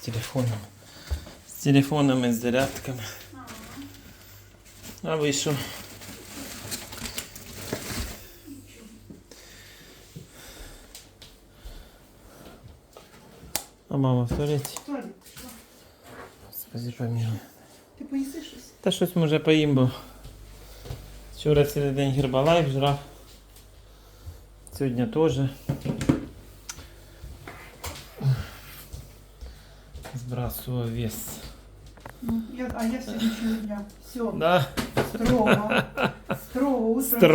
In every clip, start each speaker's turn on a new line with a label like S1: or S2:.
S1: телефоном. З телефонами, з зарядками. А ви що? А мама в туалеті?
S2: В туалет пішла.
S1: Господи, помилуй.
S2: Ти поїси щось?
S1: Та щось може поїм, бо вчора цілий день гербалайф жрав. Сьогодні теж. Збрасував вес.
S2: А я сьогоднішнього дня. Все.
S1: Да?
S2: Строго. Строго.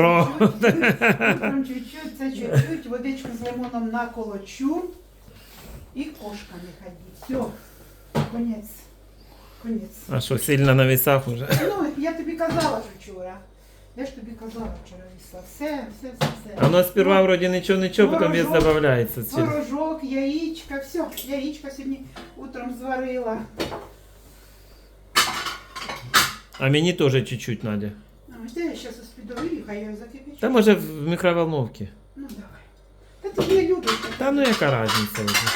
S2: Утром чуть-чуть, це чуть-чуть, водичку з лимоном наколочу. І кошка не ходить. Все. Конець. Конець.
S1: А що, сильно на весах уже?
S2: Ну, я тобі казала ж вчора. Я ж тобі казала вчора вісла. Все.
S1: А у нас сперва вроде ничего, потом вес
S2: Творожок.
S1: добавляется.
S2: Творожок, яичко, все. Яичко сьогодні утром зварила.
S1: А мені тоже чуть-чуть надо.
S2: Де я зараз успідовую, хай я закипячу.
S1: Та може в микроволновці.
S2: Ну давай. Та ти не любиш.
S1: Та ну яка разниця вже.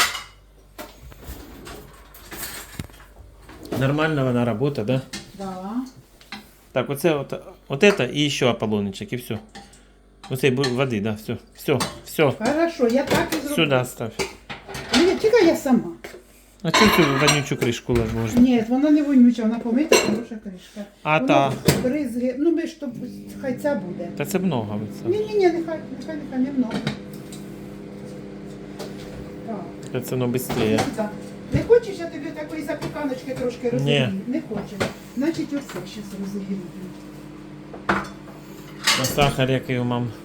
S1: Нормально вона робота, да?
S2: Да.
S1: Так, вот это и еще Аполлонычек, и все. Оцей води, да, все.
S2: Хорошо, я так і зроблю.
S1: Сюда ставь.
S2: Ні, тільки я сама.
S1: А чому цю вонючу кришку ложиш?
S2: Ні, вона не вонюча, вона помита, хороша кришка.
S1: А
S2: Воно
S1: та?
S2: бризги, ну ми ж то, хай ця буде.
S1: Та це много.
S2: Ні, нехай не много. Так.
S1: Це воно швидше.
S2: Так. Не хочеш, я тобі такої запіканочки трошки розігрію? Не хочеш. Значить, оце зараз розігрію.
S1: На сахар який у мам?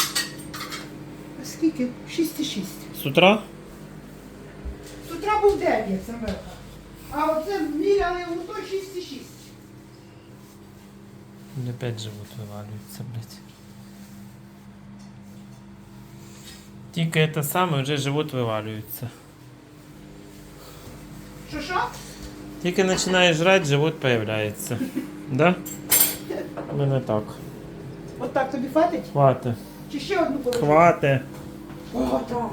S2: А скільки? 6,6.
S1: З утра?
S2: З утра був 9, Самелка. А оце міряли у то 6,6.
S1: Опять живот вивалюється, блядь. Тільки це саме, вже живот вивалюється.
S2: Що?
S1: Тільки починаєш жрати, живот появляється. Да? У мене так.
S2: От так тобі хватить?
S1: Хватить.
S2: Чи ще одну положити?
S1: Хватить.
S2: О, так.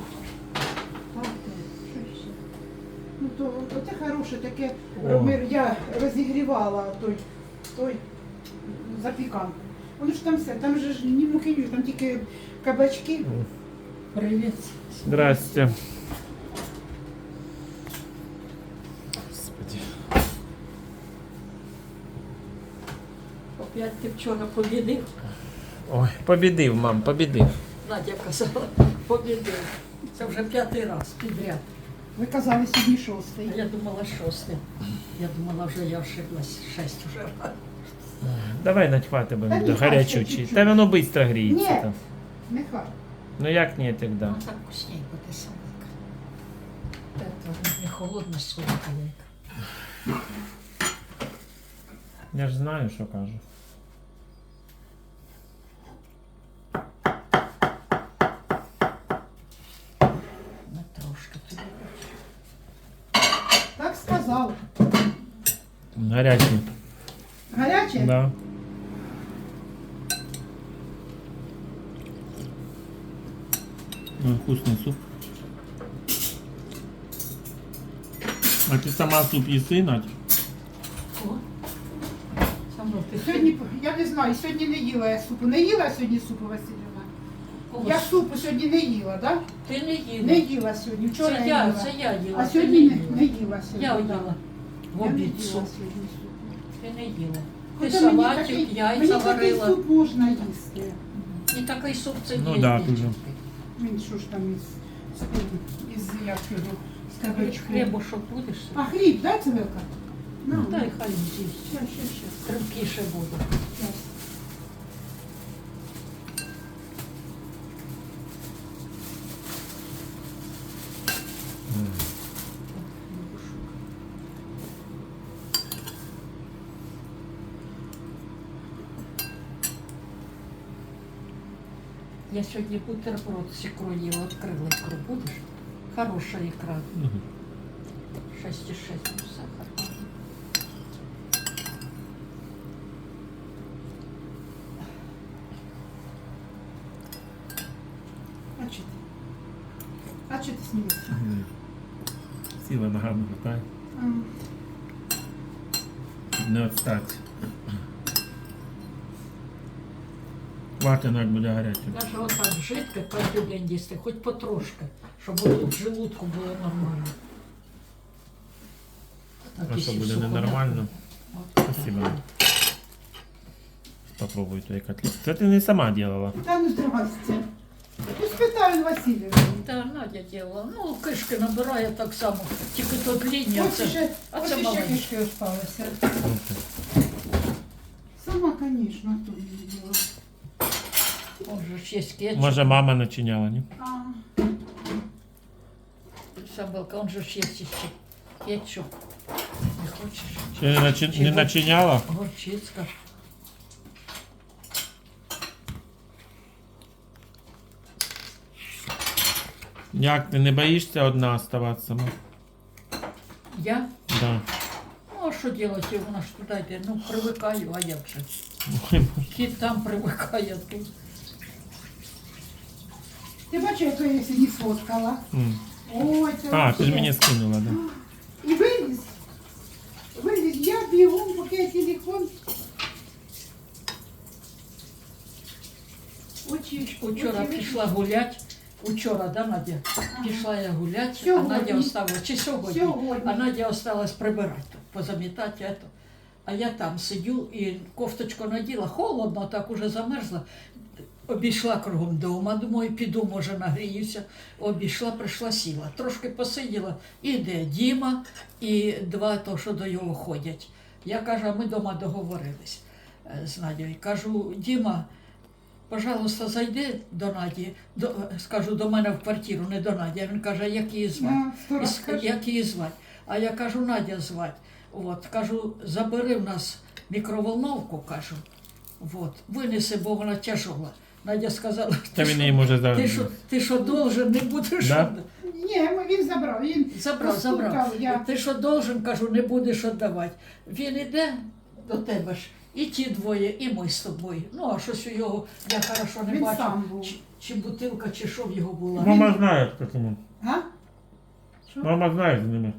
S2: Що ще? Ну, то оце хороше таке.
S1: О.
S2: Я розігрівала той запіканку. Воно ж там все, там же ж ні муки, ні, там тільки кабачки. Привіт.
S1: Здрасте. Господи.
S3: Опять ти вчора побідив.
S1: Ой, побідив, мам, побідив.
S3: Надя казала, побідив. Це вже 5-й раз підряд.
S2: Ви казали сьогодні
S3: А
S2: шостий.
S3: я думала 6. Я думала, вже я ошиблась. 6 вже раз.
S1: Давай надхвати
S2: Та
S1: будемо,
S2: ні,
S1: гарячучий.
S2: чуть-чуть.
S1: Та воно швидко гріється
S2: Ні.
S1: там.
S2: Нехай.
S1: Ну як ні, тоді?
S3: Ну так вкусненько ти солодка. Це не холодна солодка яйка.
S1: Я ж знаю, що кажу.
S3: Ну трошки тобі.
S2: Так сказав.
S1: Гарячий.
S2: Гаряче?
S1: Да. Вкусный суп. А ти сама суп їси, Надь?
S3: О, саме ти
S2: Сьогодні, я не знаю, сьогодні не їла я супу. Не їла сьогодні супу, Василівна?
S3: Кого?
S2: Я супу сьогодні не їла, так?
S3: Ти не їла.
S2: Не їла сьогодні, вчора
S3: Це
S2: я
S3: я,
S2: їла.
S3: це я їла.
S2: А
S3: ти
S2: сьогодні
S3: не
S2: не їла сьогодні.
S3: Я
S2: да.
S3: їла. В
S2: Я не
S3: обід
S2: їла
S3: суп.
S2: сьогодні супу.
S3: Ти не їла. Ти
S2: Хоча мені
S3: салатик,
S2: такий-
S3: яйця
S2: мені такий
S3: варила.
S2: суп можна їсти.
S3: І такий суп це
S1: Ну
S3: є.
S1: да,
S3: дівчинки.
S1: дуже.
S2: Він що ж там із як його, з кабачком.
S3: Хлібушок будеш?
S2: А хліб, да, Цивилка? Ну,
S3: Дай хай з'їсть.
S2: Щас.
S3: Кримкіше буде.
S2: Щас.
S3: Я сьогодні бутерброд з ікрою їла, відкрила ікру. Будеш? Хороша ікра. 6,6 сахар.
S2: А чи ти? А чи ти смієшся?
S1: красиво, ногами вертає.
S2: М.
S1: Не відстати. Хватить, як буде гаряче.
S3: Даже отак жидко кожен день їсти, хоч потрошки, щоб тут в желудку було нормально. Так,
S1: А що
S3: якщо
S1: буде
S3: сухо,
S1: ненормально?
S3: от
S1: Спасибо.
S3: так.
S1: Попробуй той котлет. Це ти не сама делала.
S2: Та ну здрасте. Ну спитаю Васильівну.
S3: Та Надя діла. Ну, кишки набирає так само, тільки тут лінія.
S2: Ось ще,
S3: а
S2: ось
S3: це
S2: ще
S3: маленьке.
S2: кишки осталося. Сама, звісно, тут не діла.
S3: Он же ж є кетчуп.
S1: Може мама начиняла, ні?
S2: А,
S3: Собака, он же ж є ще кетчуп. Не хочеш?
S1: Ще не начиняла?
S3: Горчицька.
S1: Як ти не боїшся одна оставатися сама?
S3: Я?
S1: Да.
S3: Ну, а що робити, вона ж туди йде. Ну, привикаю, а як же? Кіт там привикає, а тут.
S2: ти бачиш, яку я сьогодні сфоткала?
S1: М.
S2: Ой, це
S1: А, ти ж
S2: вообще.
S1: мені скинула, да.
S2: І виліз. Виліз. Я бігом, поки я телефон. Очі.
S3: Учора
S2: очі
S3: пішла гулять. Учора, да, Надя? Пішла я гулять, а
S2: Сьогодні.
S3: Надя осталась, чи сьогодні?
S2: Сьогодні.
S3: А Надя осталась прибирати, тут, позамітати. Это. А я там сидю і кофточку наділа, холодно, так уже замерзла. Обійшла кругом дома, думаю, піду, може, нагріюся. Обійшла, прийшла, сіла. Трошки посиділа, іде Діма і два, то, що до його ходять. Я кажу, а ми вдома договорились з Надією. Кажу, Діма, пожалуйста, зайди до Наді, скажу, до мене в квартиру, не до Наді. А він каже, як її звати?
S2: На, сто раз кажу.
S3: Як її звати? А я кажу, Надя звати. От, кажу, забери в нас мікроволновку, кажу. От, винеси, бо вона тяжола. Надя сказала,
S1: Та він її може зараз.
S3: ти що должен, не будеш.
S1: Да?
S2: Ні, він забрав. Він
S3: Забрав.
S2: постукав, я.
S3: Ти що должен, кажу, не будеш віддавати. Він іде до тебе ж, і ті двоє, і ми з тобою. Ну, а щось у його, я хорошо не
S2: Він
S3: бачу,
S2: сам був.
S3: чи бутилка, чи що в його була.
S1: Мама знає, хто тому.
S2: Га? Що?
S1: Мама знає з ними.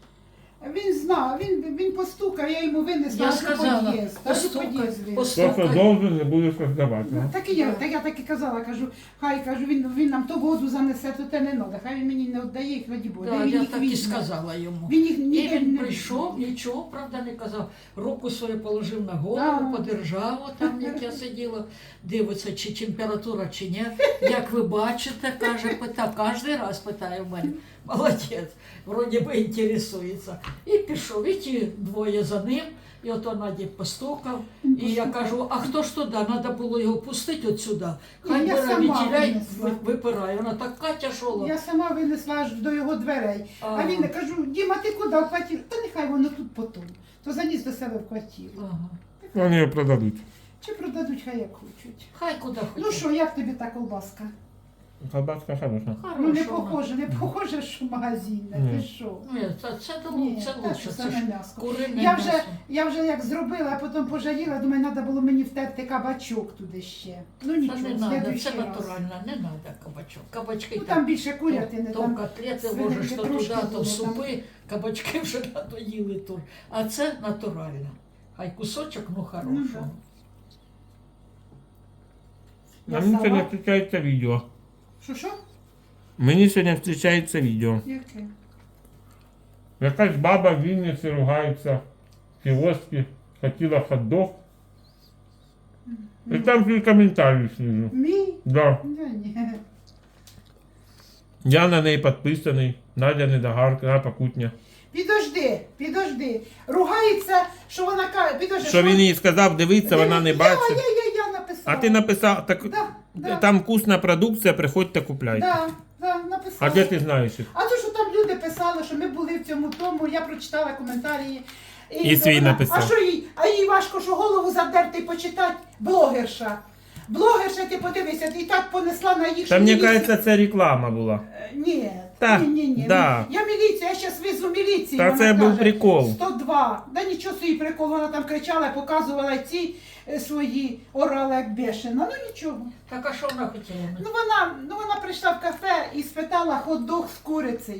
S2: Він знав, він постукав, я йому винесла
S3: Я
S2: аж у
S3: сказала,
S2: під'їзд. Аж у під'їзд винесла.
S1: Просто должен, не будеш роздавати.
S2: Ну, так і я так і казала, кажу, хай кажу, він нам то воду занесе, то те не треба, хай він мені не віддає їх, раді Бога.
S3: Да,
S2: Він
S3: я
S2: їх
S3: так і
S2: візьме.
S3: сказала йому.
S2: Він їх
S3: І
S2: ніде
S3: він
S2: не
S3: прийшов,
S2: візьме.
S3: нічого, правда, не казав. Руку свою положив на
S2: Да.
S3: голову, подержав там, як я сиділа, дивиться, чи температура, чи ні. Як ви бачите, каже, питав, кожен раз питає в мене. Молодець, вроді би інтересується. І пішов, і ті двоє за ним, і ото Наді постукав. І я кажу, а хто ж туди? Треба було його пустити от сюди. Хай
S2: Ні, я
S3: бере
S2: сама
S3: вітіляй,
S2: винесла.
S3: випирає. Вона така тяжола.
S2: Я сама винесла аж до його дверей. А він кажу, Діма, ти куди в квартиру? Та нехай воно тут потім. То заніс до себе в квартиру.
S3: Ага.
S1: Вони його продадуть.
S2: Чи продадуть, хай як хочуть.
S3: Хай куди хоче.
S2: Ну що, як тобі та колбаска?
S1: Колбаска хороша.
S2: Ну не
S3: Хороша вона.
S2: похоже, що магазинне,
S1: Ні.
S2: ти що?
S3: Ні, це
S2: Ні,
S3: це
S2: та
S3: лучше.
S2: що
S3: Це
S2: саме
S3: ж
S2: м'ясо.
S3: курине
S2: Я
S3: м'ясо.
S2: вже як зробила, а потім пожаліла, думаю, треба було мені втерти кабачок туди ще. Ну
S3: Та
S2: нічого,
S3: не
S2: в
S3: треба,
S2: следующий
S3: це
S2: раз.
S3: натурально, не треба кабачок. Кабачки
S2: Ну там більше курятини,
S3: то
S2: там
S3: котлети
S2: свининки
S3: ложиш, то
S2: трошки
S3: туди, то
S2: було, там.
S3: супи, кабачки вже надоїли тут. А це натурально. Хай кусочок, ну
S2: Ну,
S3: хорошого.
S2: Я
S1: Мені сьогодні
S2: сама.
S1: зустрічається відео.
S2: Що?
S1: Мені сьогодні зустрічається відео.
S2: Яке?
S1: Якась баба в Вінниці ругається в кіоскі, хотіла хот-дог. І там свій коментарі снизу.
S2: Мій?
S1: Да.
S2: Да, ні.
S1: Я на неї підписаний. Надя Недогарка, Покутня.
S2: Підожди. Ругається, що вона каже, підожди.
S1: Що він їй сказав, дивиться, вона не бачить.
S2: Я написала.
S1: А ти написав, так
S2: Да.
S1: там вкусна продукція, приходьте купляйте.
S2: Да, написала.
S1: А де ти знаєш їх?
S2: А то, що там люди писали, що ми були в цьому тому, я прочитала коментарі.
S1: І свій написав.
S2: А що їй? А їй важко, що голову задерти і почитати блогерша. Блогерша, ти подивися, і так понесла на їх.
S1: Та
S2: що
S1: мені
S2: міліція-
S1: кажеться, це реклама була.
S2: Ні,
S1: Та,
S2: ні.
S1: да.
S2: Я міліція, я зараз везу міліцію.
S1: Та
S2: вона
S1: це був
S2: каже,
S1: прикол.
S2: 102. Да нічого собі прикол, вона там кричала, показувала ці свої орали як бешена. Ну нічого.
S3: Так а що вона хотіла?
S2: Ну вона прийшла в кафе і спитала хот-дог з курицею.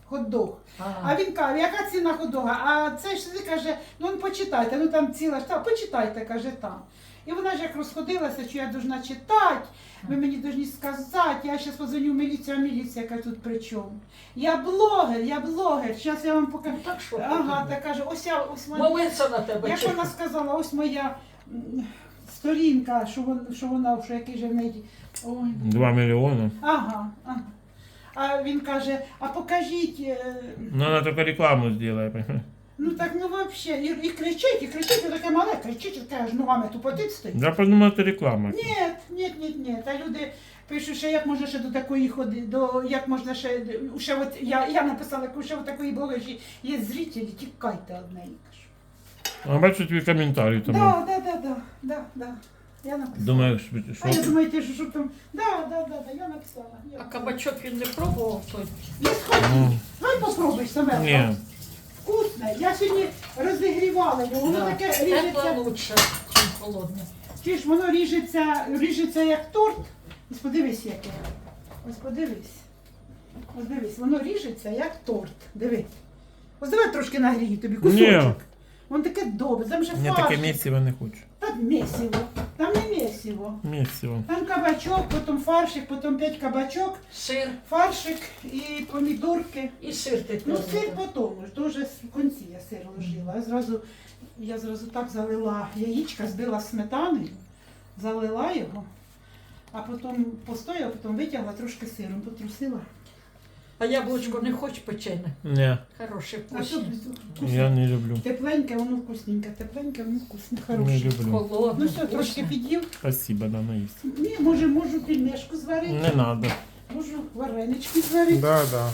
S2: хот-дог. А він каже, яка ціна хот-дога? А цей ж каже, ну почитайте, ну там ціла ж, почитайте, каже, там. І вона ж як розходилася, що я должна читати, ви мені повинні сказати, я зараз позвоню в міліцію, а міліція каже, тут при чому? Я блогер, зараз я вам покажу.
S3: Ну, так що?
S2: Ага, так каже, ось моя,
S3: Молиться на тебе.
S2: як
S3: чи?
S2: вона сказала, ось моя сторінка, що який же в неї, ой.
S1: 2 мільйони.
S2: Ага. А він каже, а покажіть,
S1: Ну, вона тільки рекламу зробила.
S2: ну так ну взагалі, і кричить, і таке мале, кричить, і таке аж ногами тупотить стоїть.
S1: Я подумав, це реклама.
S2: Ні. Та люди пишуть, що як можна ще до такої ходити, як можна ще от, я написала, що ще от такої блогерші є зрителі, тікайте од неї.
S1: А бачу твій коментарі тому.
S2: Да. Я написала.
S1: Думаєш,
S2: А я
S1: що?
S2: думаю, ти що там, да, я написала.
S3: А кабачок він не пробував той.
S2: Я сходи, давай попробуй саме.
S1: Ні.
S2: Вкусне. Я сьогодні розігрівала його, воно таке
S3: Тепле
S2: ріжеться.
S3: лучше, ніж холодне.
S2: Чи ж воно ріжеться як торт. Ось подивись яке. Ось подивись. Ось дивись, воно ріжеться як торт. Диви. Ось давай трошки нагрію тобі кусочок.
S1: Ні.
S2: Воно таке добре, там же
S1: Я
S2: фарш.
S1: таке місиво не хочу.
S2: Там месиво. Там не месиво.
S1: Місиво.
S2: Там кабачок, потім фаршик, потім 5 кабачок,
S3: Сир
S2: фаршик і помідорки.
S3: і сир ти
S2: Ну,
S3: кладеш.
S2: сир потім, ж, то вже в кінці я сир ложила. Я зразу так залила яєчка, збила сметаною, залила його, а потім постояла, потім витягла трошки сиром, потрусила.
S3: А яблучко не хочеш печене?
S1: Ні,
S3: Хороше,
S2: А що
S3: вкусне.
S1: я не люблю.
S2: тепленьке, воно вкусненьке, тепленьке, воно вкусне,
S1: Не
S2: хороше.
S1: люблю.
S3: Холодне,
S2: Ну все, трошки
S3: вкусне.
S2: під'їв.
S1: Спасибо, да, наїсть.
S2: Ні, можу пельмешку зварити,
S1: Не надо.
S2: можу варенички зварити.
S1: Да.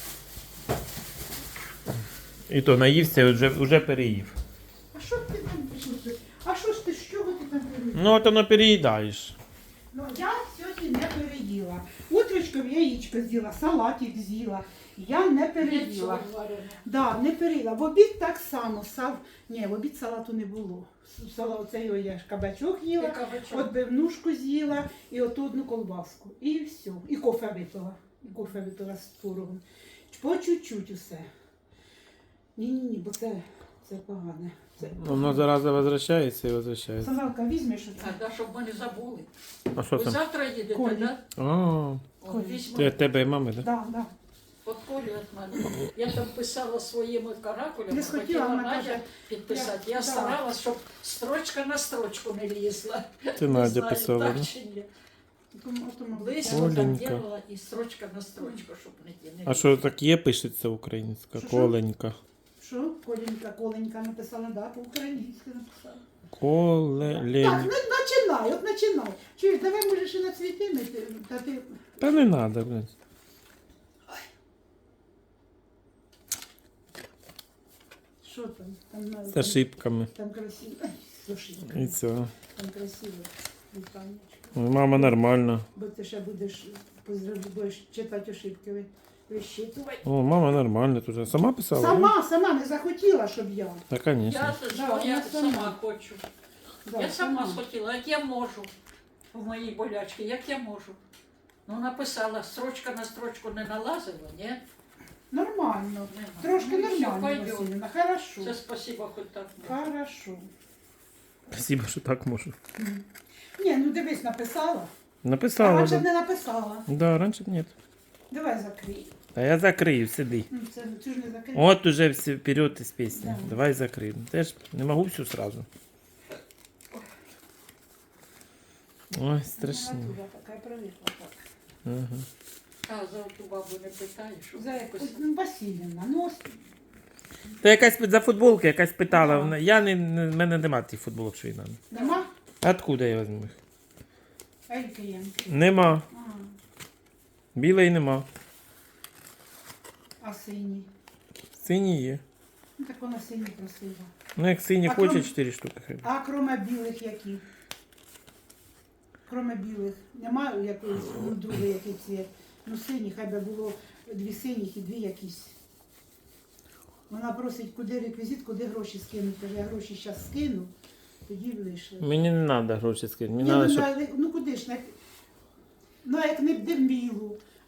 S1: І то наївся і вже переїв.
S2: А що ти там пішов? А що ж ти, з чого ти там переїв?
S1: Ну, от воно переїдаєш.
S2: Ну, я сьогодні не переїла. Утречком яєчко з'їла, салатик з'їла. Я не переїла.
S3: Яйцо варене.
S2: Да, не переїла. В обід так само. Ні, в обід салату не було. Оце його я ж кабачок
S3: І
S2: їла,
S3: кабачок.
S2: отбивнушку з'їла і оту одну колбаску. І все. І кофе випила. І кофе випила з творогом. По чуть-чуть усе. Ні, бо це погане.
S1: Воно зараза возвращається і возвращається.
S2: Самалка, візьмеш оце.
S3: Так, да, щоб ми не забули.
S1: А що
S3: Ви
S1: там?
S3: завтра їдете,
S2: Колі.
S3: так?
S1: А,
S3: Да?
S2: Колі.
S3: Візьму.
S1: ти від тебе і мами, так?
S2: Да.
S3: От Колі від мене. Я там писала своїми каракулями,
S2: Не схотіла,
S3: хотіла
S2: вона
S3: Надя
S2: каже,
S3: підписати.
S2: я-
S3: Я
S2: да.
S3: старалась, щоб строчка на строчку не лізла.
S1: Ти
S3: Не
S1: Надя
S3: знаю,
S1: писала,
S3: так
S1: да?
S3: чи ні.
S2: Тому
S3: Близько так
S1: Оленька.
S3: делала і строчка на строчку, щоб не
S1: А що так є, пишеться українська?
S2: Що?
S1: Коленька.
S2: Що? Коленька написала, да, по-українськи написала.
S1: Колелень.
S2: Так, починай. Чуєш, давай можеш і на цвіти мити, та ти...
S1: Та не треба, блядь.
S2: Що там?
S1: З ошибками.
S2: Там красиво. Ай, слушай,
S1: І все.
S2: там красиво. Вітанечко.
S1: Ой, мама нормальна.
S2: Бо ти ще будеш читати ошибки, вищитувати.
S1: О, мама нормальна тут. Сама писала?
S2: Сама не захотіла, щоб я.
S1: Та, звісно.
S3: Я,
S2: Да,
S3: я
S2: вона
S3: сама
S2: сама.
S3: хочу.
S2: Да,
S3: Я сама схотіла, як я можу. В моїй болячці, як я можу. Ну, написала, строчка на строчку не налазила, ні?
S2: Нормально.
S3: Нема.
S2: Трошки
S3: Ну, і все,
S2: нормально,
S3: пойдет.
S2: Василівна. Хорошо.
S3: Це спасибо, хоч так.
S2: Хорошо.
S1: Спасибо, що так можу.
S2: Ні, ну дивись, написала. А
S1: Написала,
S2: раніше б
S1: да.
S2: не написала.
S1: Да, раніше б ні.
S2: Давай закрий.
S1: Та я закрию, сиди.
S2: Ну, це ти ж не закрий.
S1: От уже все вперед із пісні.
S2: Да.
S1: Давай закрию. Теж не можу всю сразу. Ой, страшно.
S2: Вона туди така привикла так.
S1: Ага.
S3: А за ту бабу не питаєш? що
S2: За
S3: якось-
S2: якусь, ну, Васильівна, ну ось
S1: Та якась за футболки, якась питала.
S2: Да.
S1: Вона- Я в мене нема тих футболок, що їй надо.
S2: нема?
S1: Откуда я візьму їх?
S2: Ельки є.
S1: Нема. Білої нема.
S2: А сині?
S1: Сині є.
S2: Ну так вона сині просила.
S1: Ну як сині
S2: А
S1: хоче,
S2: крім-
S1: 4 штуки хай.
S2: А кроме білих які? Кроме білих. Немає якоїсь ну, другої який цвіт? Ну сині, хай би було 2 синіх і 2 якісь. Вона просить, куди реквізит, куди гроші скинути. Каже, я гроші зараз скину, тоді вийшли.
S1: Мені не треба гроші скинути. Мені
S2: Ні,
S1: треба,
S2: ну,
S1: щоб...
S2: ну куди ж, ну як не б білу,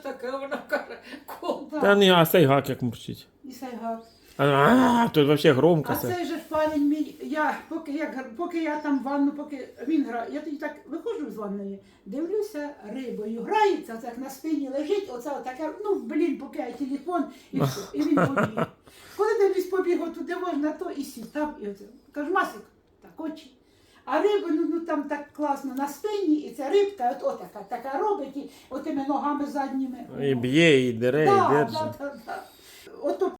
S3: таке? Вона каже, кум.
S1: Та ні, а цей гак як мурчить.
S2: І сайгак.
S1: Тут взагалі громко
S2: А
S1: все.
S2: цей же ж парень мій, поки я там в ванну, поки він грає, я тоді так виходжу з ванної, дивлюся рибою, грається, так на спині лежить, оце отаке, поки я телефон, і все, і він побіг. Коли дивлюсь, побіг отуди можна, то і сів там, і оце. Кажу, Масик, так очі. А риби, там так класно на спині, і ця рибка, така робить, і отими ногами задніми.
S1: І б'є, і дере, і
S2: Да,
S1: держить.
S2: да, да, да. Ото